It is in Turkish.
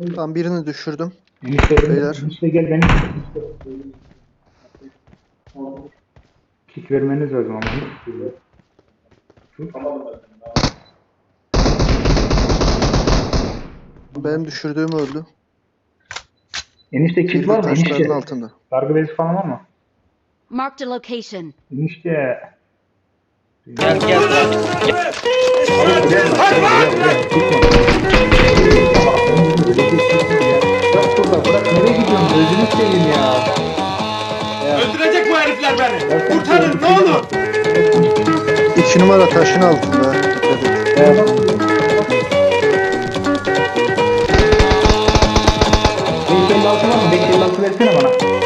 Tam birini düşürdüm. Beyler. Enişte gel beni. Kit vermeniz lazım ama. Benim düşürdüğüm öldü. Enişte kit Biri var de mı? taşların Enişte. altında. Sargı bezi falan var mı? Marked a location. Enişte. Gel gel. Hayır gel. Yok burada bırak nereye gidiyorsun? Gözünü seveyim ya. Öldürecek bu herifler beni. Kurtarın ne olur. 2 numara taşın altında. Dikkat et. 556 var mı? 556 versene bana.